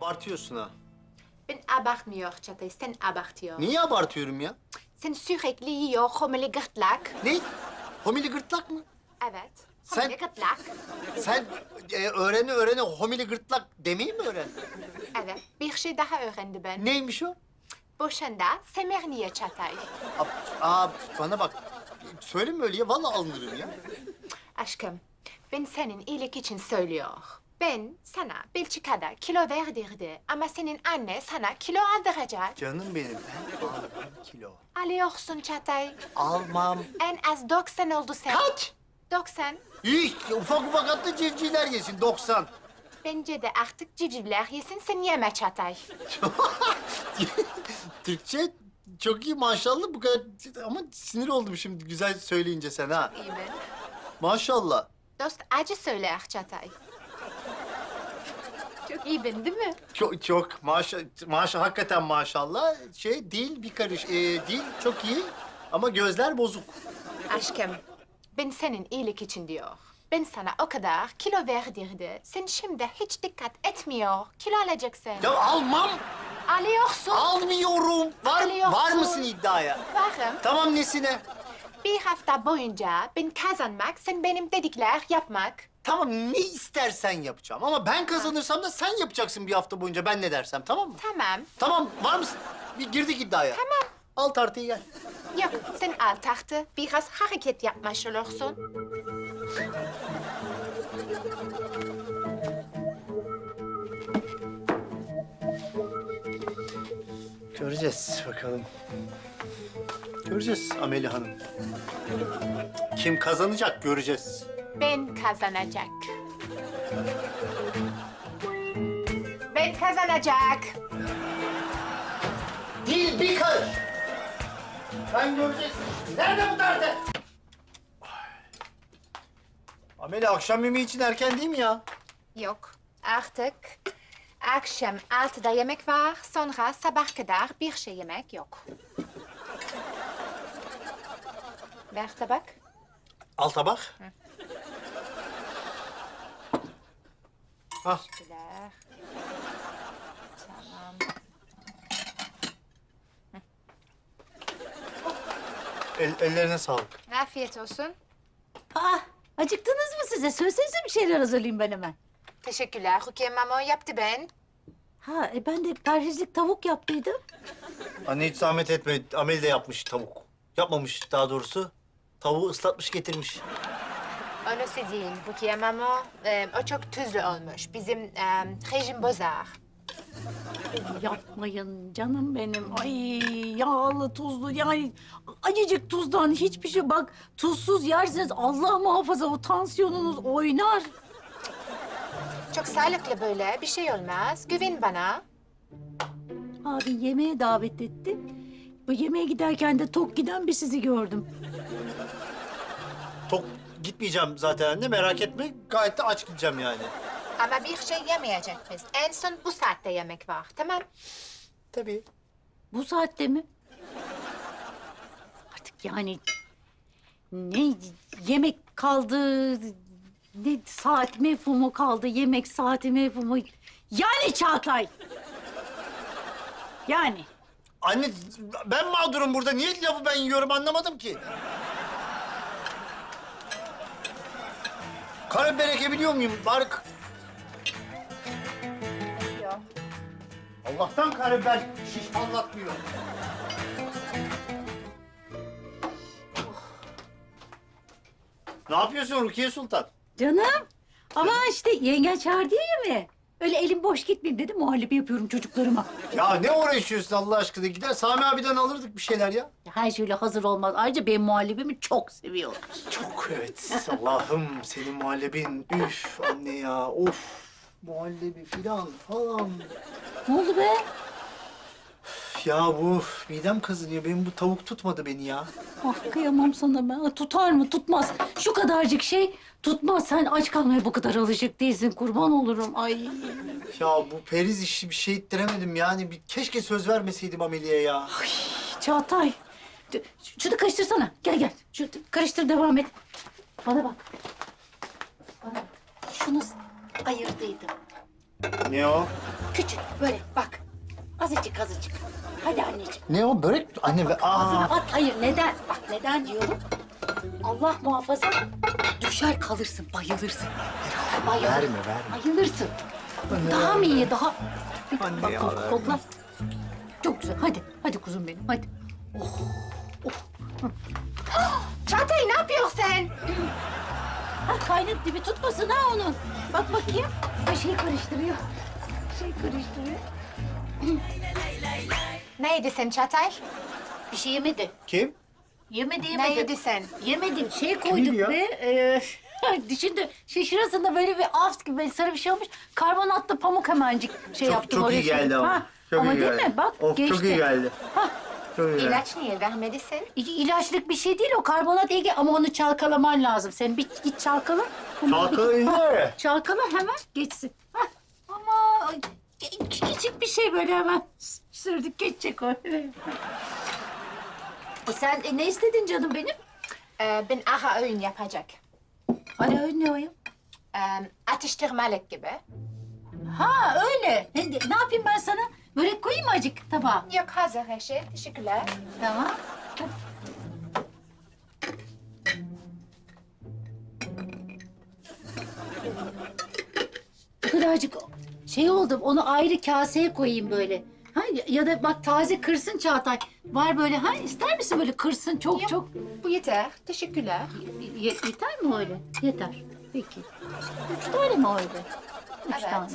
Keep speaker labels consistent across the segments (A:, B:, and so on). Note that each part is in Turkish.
A: Abartıyorsun ha.
B: Ben abartmıyor Çağatay, sen abartıyor.
A: Niye abartıyorum ya?
B: Sen sürekli yiyor homili gırtlak.
A: Ne? Homili gırtlak mı?
B: Evet,
A: Sen-
B: homili gırtlak.
A: Sen öğrene homili gırtlak demeyi mi öğrendin?
B: Evet, bir şey daha öğrendi ben.
A: Neymiş o?
B: Boşanda semerniye Çağatay.
A: Bana bak. Söyleme öyle ya. Vallahi alınırım ya.
B: Aşkım, ben senin iyilik için söylüyor. Ben sana Belçika'da kilo verdirdi ama senin anne sana kilo aldıracak.
A: Canım benim. Ben almam kilo.
B: Alıyorsun Çağatay.
A: Almam.
B: En az 90 oldu sen.
A: Kaç?
B: 90.
A: Hiç. Ufak ufak atlı civcivler yesin. 90.
B: Bence de artık civcivler yesin, sen yeme Çağatay.
A: Türkçe çok iyi maşallah bu kadar ama sinir oldum şimdi güzel söyleyince sen ha.
B: İyi mi?
A: Maşallah.
B: Dost acı söyler Çağatay. Çok iyi ben değil mi?
A: Çok hakikaten maşallah. Dil bir karış. Dil çok iyi ama gözler bozuk.
B: Aşkım, ben senin iyilik için diyor. Ben sana o kadar kilo verdirdi. Sen şimdi hiç dikkat etmiyor. Kilo alacaksın.
A: Ya almam.
B: Alıyorsun.
A: Almıyorum. Var
B: Alıyorsun.
A: mısın iddiaya?
B: Varım.
A: Tamam nesine?
B: Bir hafta boyunca ben kazanmak, sen benim dedikler yapmak.
A: Tamam ne istersen yapacağım ama ben kazanırsam da sen yapacaksın bir hafta boyunca ben ne dersem tamam mı?
B: Tamam.
A: Tamam var mısın? Bir girdik iddiaya.
B: Tamam.
A: Al tartıyı gel.
B: Yok, sen al tahtı. Biraz hareket yapmış olursun.
A: Göreceğiz bakalım. Göreceğiz Ameli Hanım. Kim kazanacak göreceğiz.
B: Ben kazanacak. Ben kazanacak.
A: Dil bir karış. Ben göreceksin. Nerede bu tartı? Ameli akşam yemeği için erken değil mi ya?
B: Yok, artık akşam 6'da yemek var, sonra sabah kadar bir şey yemek yok. Ver tabak.
A: Al tabak. Al.
B: Teşekkürler. Tamam.
A: Ellerine sağlık.
B: Afiyet olsun.
C: Aa, acıktınız mı size? Söylesenize bir şeyler hazırlayayım ben hemen.
B: Teşekkürler. Rukiye mama yaptı ben.
C: Ha, ben de perhizlik tavuk yaptıydım.
A: Anne hiç zahmet etme. Ameli de yapmış tavuk. Yapmamış daha doğrusu. Tavuğu ıslatmış getirmiş.
B: Onu söyleyeyim Rukiye mama. O çok tuzlu olmuş. Bizim rejim bozar.
C: Yapmayın canım benim. Ay yağlı, tuzlu yani acıcık tuzdan hiçbir şey bak. Tuzsuz yerseniz Allah muhafaza o tansiyonunuz oynar.
B: Çok sağlıklı böyle. Bir şey olmaz. Güven bana.
C: Abi yemeğe davet etti. Bu yemeğe giderken de tok giden bir sizi gördüm.
A: Tok gitmeyeceğim zaten anne merak etme. Gayet de aç gideceğim yani.
B: Ama bir şey yemeyecek biz. En son bu saatte yemek var. Tamam.
A: Tabii.
C: Bu saatte mi? Artık yani ne yemek kaldı, ne saat mefhumu kaldı, yemek saati mefhumu. Yani Çağatay. Yani.
A: Anne ben mağdurum burada. Niye lafı ben yiyorum anlamadım ki. Karabiber ekebiliyor muyum? Bari...
B: Yok.
A: Allah'tan karabiber şiş anlatmıyor. Ne yapıyorsun Rukiye Sultan?
C: Canım. Ama işte yengen çağırdı ya yemeğe. Öyle elim boş gitmeyeyim dedim. Muhallebi yapıyorum çocuklarıma.
A: Ya ne uğraşıyorsun Allah aşkına? Gider Sami abiden alırdık bir şeyler ya.
C: Her şeyle hazır olmaz. Ayrıca benim muhallebimi çok seviyorlar.
A: Çok evet. Allah'ım senin muhallebin. Üf anne ya. Of. Muhallebi filan falan.
C: Ne oldu be?
A: Ya bu midem kazınıyor. Benim bu tavuk tutmadı beni ya.
C: Ah kıyamam sana ben. Tutar mı? Tutmaz. Şu kadarcık şey tutmaz. Sen aç kalmaya bu kadar alışık değilsin. Kurban olurum. Ay.
A: Ya bu periz işi bir şey ettiremedim yani. Keşke söz vermeseydim Ameli'ye ya.
C: Çağatay. Şunu karıştırsana. Gel gel. Şu karıştır devam et. Bana bak. Bana bak. Şunu ayırdıydım.
A: Ne o?
C: Küçük böyle bak. Azıcık azıcık. Hadi anneciğim.
A: Ne o? Börek? Anne ve...
C: Ağzına
A: Aa!
C: at. Hayır neden? Bak neden diyorum. Allah muhafaza düşer kalırsın, bayılırsın. Bayılırsın.
A: Verme, verme.
C: Bayılırsın. Daha mı iyi, daha...
A: Anne
C: Bak,
A: ya,
C: kokla,
A: verme.
C: kokla. Çok güzel. Hadi, hadi kuzum benim, hadi.
B: Çağatay ne yapıyorsun sen?
C: Ha, kaynadı dibi tutmasın ha onun. Bak bakayım. Ay şey karıştırıyor. Şey karıştırıyor.
B: Neydi sen Çağatay?
C: Bir şey yemedi.
A: Kim?
C: Yemedi,
B: Neydi sen?
C: Yemedim. Şey koyduk
A: yiyor?
C: be. Dişinde şurasında böyle bir af gibi böyle sarı bir şey olmuş. Karbonatlı pamuk hemencik şey yaptım.
A: çok
C: oraya
A: iyi geldi
C: sürdüm.
A: ama.
C: Ha,
A: Çok
C: ama
A: iyi
C: değil
A: geldi.
C: mi? Bak
A: Of,
C: geçti.
A: çok iyi geldi.
C: Ha,
A: Çok iyi geldi.
B: İlaç niye vermedin?
C: ilaçlık bir şey değil o karbonat iyi ama onu çalkalaman lazım. Sen bir git çalkala.
A: Çalkalayın.
C: Çalkala hemen geçsin. Hah, ama küçük bir şey böyle hemen sürdük geçecek o. Sen ne istedin canım benim?
B: Ben ara öğün yapacak.
C: Ara öğün ne o ya?
B: Atıştırmalık gibi.
C: Ha öyle. Ne yapayım ben sana? Börek koyayım mı acık tabağa?
B: Yok hazır her şey. Teşekkürler.
C: Tamam. Bu kadarcık şey oldu. Onu ayrı kaseye koyayım böyle. Ha, ya da bak taze kırsın Çağatay. Var böyle ha ister misin böyle kırsın çok
B: Yok.
C: çok.
B: Bu yeter. Teşekkürler.
C: Yeter mi öyle? Yeter. Peki. 3 tane mi öyle? 3
B: Evet.
C: tane.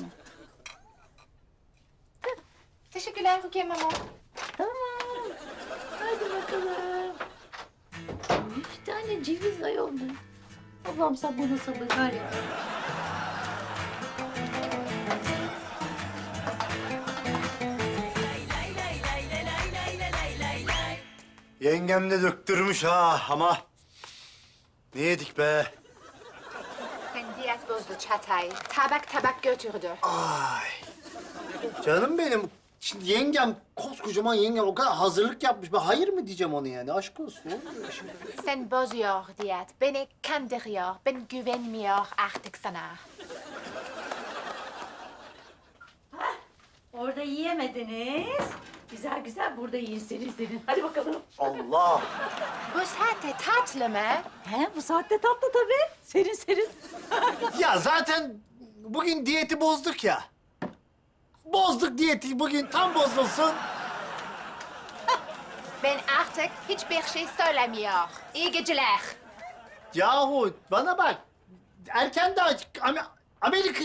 B: Teşekkürler Rukiye Mama.
C: Tamam. Hadi bakalım. 3 tane ceviz ayol mu? Allah'ım sen bana sabır ver ya.
A: Yengem de döktürmüş ha ama... Ne yedik be?
B: Sen diyet bozdu Çağatay. Tabak tabak götürdü.
A: Ay. Canım benim. Şimdi yengem, koskocaman yengem o kadar hazırlık yapmış. Ben hayır mı diyeceğim ona yani? Aşk olsun. Olmuyor şimdi.
B: Sen bozuyor diyet. Beni kandırıyor. Ben güvenmiyor artık sana.
C: Orada yiyemediniz. Güzel güzel burada yiyin serin. Hadi bakalım.
A: Allah.
B: Bu saatte tatlı mı?
C: He bu saatte tatlı tabii. Serin.
A: Ya zaten bugün diyeti bozduk ya. Bozduk diyeti bugün tam bozulsun.
B: Ben artık hiçbir şey söylemiyor. İyi geceler.
A: Yahu bana bak. Erken daha Amerika...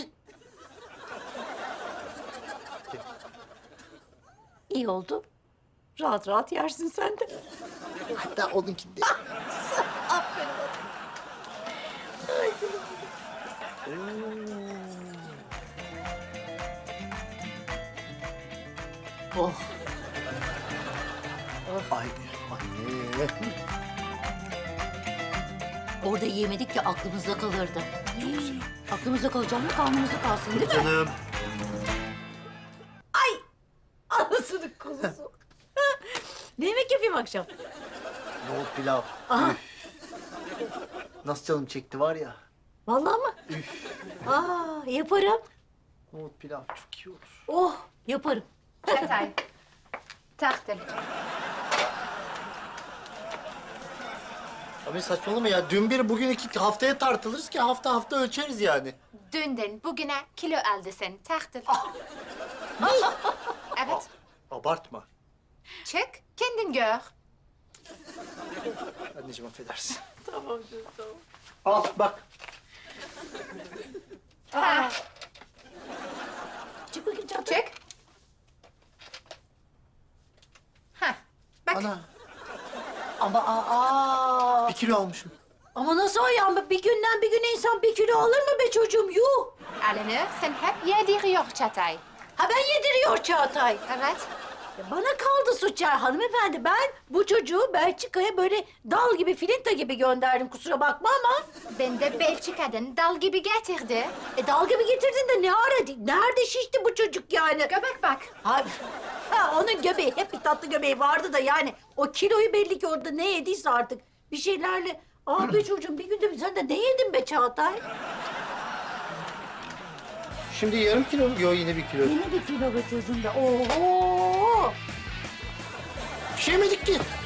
C: İyi oldu. Rahat rahat yersin sen de.
A: Hatta onunkinde.
C: Aferin. Oh.
A: Ay anne.
C: Orada yemedik ya aklımızda kalırdı. Aklımızda kalacak mı karnımızda kalsın değil mi?
A: Canım.
C: Anasının kuzusu. Ne yemek yapayım akşam?
A: Nohut pilav.
C: Aha.
A: Üf. Nasıl canım çekti var ya.
C: Vallahi mı? Aa yaparım.
A: Nohut pilav çok iyi olur.
C: Oh yaparım.
B: Çağatay. Tartın.
A: Abi saçmalama ya. Dün bir bugün iki haftaya tartılırız ki hafta ölçeriz yani.
B: Dünden bugüne kilo aldı sen. Tartın. Evet.
A: Abartma.
B: Çık. Kendin gör.
A: Anneciğim affedersin.
C: Tamam canım tamam.
A: Al bak.
B: Ha.
C: Çık bakayım Çağatay.
B: Çık. Ha. Bak.
A: Ana
C: Ama
A: 1 kilo almışım.
C: ama nasıl o ya? Bir günden bir güne insan 1 kilo alır mı be çocuğum? Yuh!
B: Alını sen hep yediriyor Çağatay.
C: Ha ben yediriyor Çağatay.
B: Evet.
C: Ya bana kaldı suç ya hanımefendi. Ben bu çocuğu Belçika'ya böyle dal gibi, filinta gibi gönderdim. Kusura bakma ama.
B: Ben de Belçika'dan dal gibi getirdi.
C: Dal gibi getirdin de ne ara? Nerede şişti bu çocuk yani?
B: Göbek bak.
C: Ha, onun göbeği, hep bir tatlı göbeği vardı da yani. O kiloyu belli ki orada ne yediyse artık. Bir şeylerle... Be çocuğum bir günde sen de ne yedin be Çağatay?
A: Şimdi yarım kilo mu? Yok yine 1 kilo.
C: Yine bir kilo be çocuğum be. Oho!
A: Bir şey yemedik ki.